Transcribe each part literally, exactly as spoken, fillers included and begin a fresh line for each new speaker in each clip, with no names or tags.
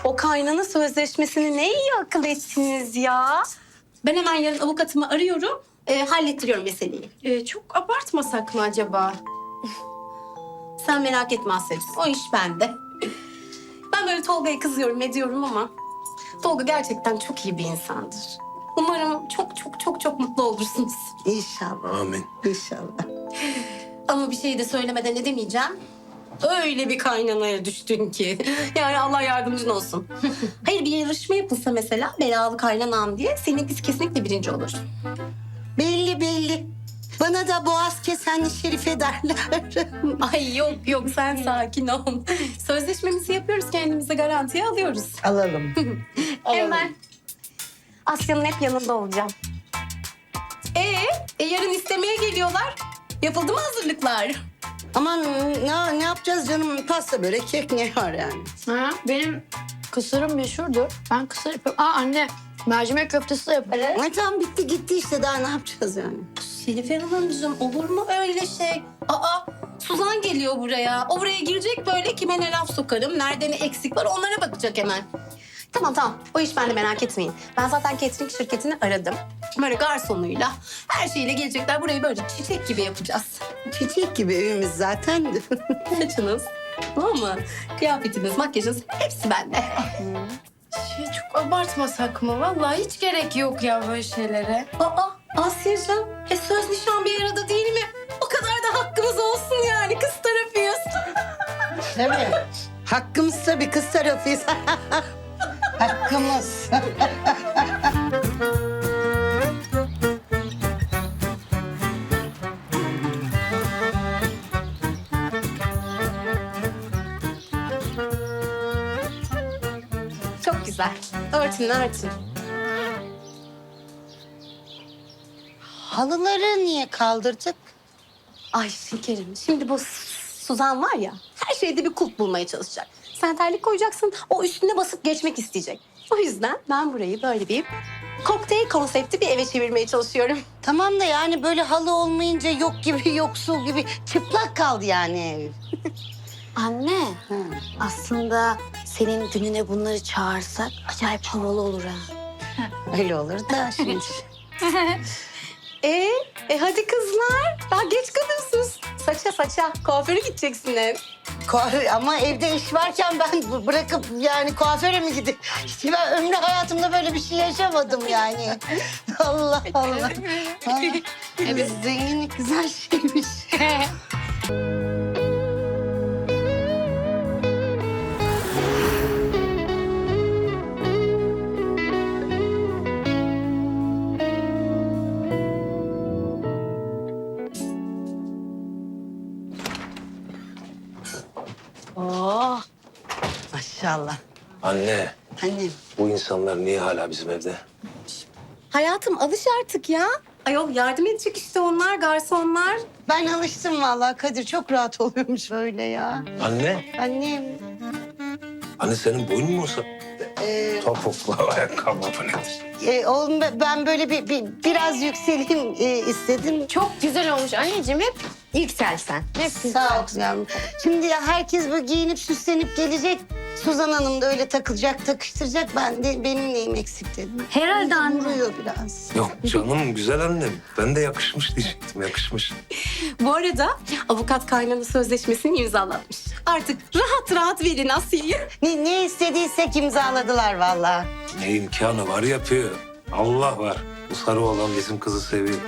O kaynana sözleşmesini ne iyi akıl ettiniz ya. Ben hemen yarın avukatımı arıyorum. E, hallettiriyorum meseleyi.
Ee, çok abartmasak mı acaba?
Sen merak etme Asya'cığım. O iş bende. Ben böyle Tolga'ya kızıyorum ediyorum ama... Tolga gerçekten çok iyi bir insandır. Umarım çok çok çok çok mutlu olursunuz.
İnşallah.
Amin.
İnşallah.
Ama bir şey de söylemeden edemeyeceğim. Öyle bir kaynanaya düştün ki. Yani Allah yardımcın olsun. Hayır, bir yarışma yapılsa mesela belalı kaynanam diye seninkisi kesinlikle birinci olur.
Belli belli. Bana da boğaz kesenli Şerife derler.
Ay yok yok, sen sakin ol. Sözleşmemizi yapıyoruz, kendimize garantiye alıyoruz.
Alalım.
Hemen Asya'nın hep yanında olacağım. Ee, e, yarın istemeye geliyorlar. Yapıldı mı hazırlıklar?
Aman ne, ne yapacağız canım? Pasta, börek, kek ne var yani?
Ha, benim kısırım meşhurdur. Ben kısır yapıyorum. Aa anne, mercimek köftesi de yaparım.
Ay tamam, bitti gitti işte, daha ne yapacağız yani?
Şerife Hanımcığım, olur mu öyle şey? Aa, Suzan geliyor buraya. O buraya girecek, böyle kime ne laf sokarım, nerede ne eksik var onlara bakacak hemen. Tamam tamam, o iş bende, merak etmeyin. Ben zaten catering şirketini aradım. Böyle garsonuyla, her şeyle gelecekler. Burayı böyle çiçek gibi yapacağız.
Çiçek gibi evimiz zaten.
Saçınız, tamam mı? Kıyafetiniz, makyajınız hepsi bende.
Şey, çok abartmasak mı? Vallahi hiç gerek yok ya böyle şeylere.
Aa, Asya'cığım, e söz nişan bir arada değil mi? O kadar da hakkımız olsun yani, kız tarafıyız.
Tabii. Hakkımız tabii, kız tarafıyız. Hakkımız.
Çok güzel. Örtün, örtün.
Halıları niye kaldırdık?
Ay şekerim, şimdi bu Suzan var ya, her şeyde bir kulp bulmaya çalışacak. Sen terlik koyacaksın, o üstüne basıp geçmek isteyecek. O yüzden ben burayı böyle bir kokteyl konsepti bir eve çevirmeye çalışıyorum.
Tamam da yani böyle halı olmayınca yok gibi, yoksul gibi çıplak kaldı yani ev.
Anne,
Hı.
aslında senin gününe bunları çağırsak acayip havalı olur ha.
Öyle olur da şimdi.
Ee, e hadi kızlar, daha geç kalıyorsunuz. Saça saça, kuaföre gideceksiniz.
Kuaför, ama evde iş varken ben bu- bırakıp yani kuaföre mi gideyim? İşte ben ömrü hayatımda böyle bir şey yaşamadım yani. Allah Allah. Ha, evet, zenginlik güzel şeymiş.
Oh.
Maşallah.
Anne,
Annem.
bu insanlar niye hala bizim evde?
Hayatım, alış artık ya. Ayol, yardım edecek işte onlar, garsonlar.
Ben alıştım vallahi Kadir, çok rahat oluyormuş öyle ya.
Anne,
Annem.
anne senin boyun mu uzadı?
E,
Topuklu ayakkabı bu nedir?
e, oğlum be- ben böyle bir, bir biraz yükseleyim e, istedim.
Çok güzel olmuş anneciğim, hep yükselsen. Hep
Sağ ol yavrum. Şimdi ya herkes böyle giyinip süslenip gelecek. Suzan Hanım da öyle takılacak, takıştıracak. Ben de benim neyim eksik dedim.
Herhalde anne.
Vuruyor biraz.
Yok canım, güzel annem. Ben de yakışmış diyecektim, yakışmış.
Bu arada avukat kaynana sözleşmesini imzalatmış. Artık rahat rahat verin Asya'yı.
Ne, ne istediysek imzaladılar vallahi.
Ne imkanı var yapıyor. Allah var. Bu sarı olan bizim kızı seviyor.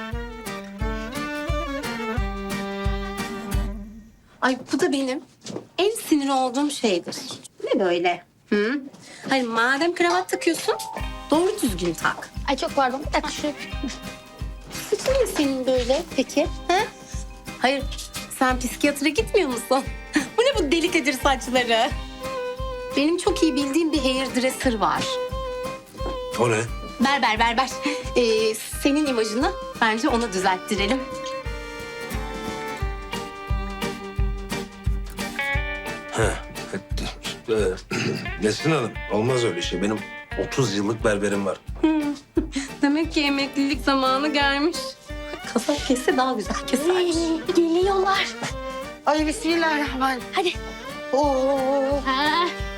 Ay, bu da benim en sinir olduğum şeydir. Ne böyle? Hı? Hayır, madem kravat takıyorsun, doğru düzgün tak.
Ay çok pardon, bir dakika şöyle.
Saçın ne senin böyle peki? Ha? Hayır, sen psikiyatra gitmiyor musun? Bu ne bu deli Kadir saçları? Benim çok iyi bildiğim bir hairdresser var.
O ne?
Berber berber. Ee, senin imajını bence ona düzelttirelim.
Heh. Ee, Nesrin Hanım, olmaz öyle şey. Benim otuz yıllık berberim var.
Demek ki emeklilik zamanı gelmiş. Kasap kesse daha güzel kesermiş.
Geliyorlar.
Ay bismillahirrahmanirrahim.
Hadi.
Oo.
Ha.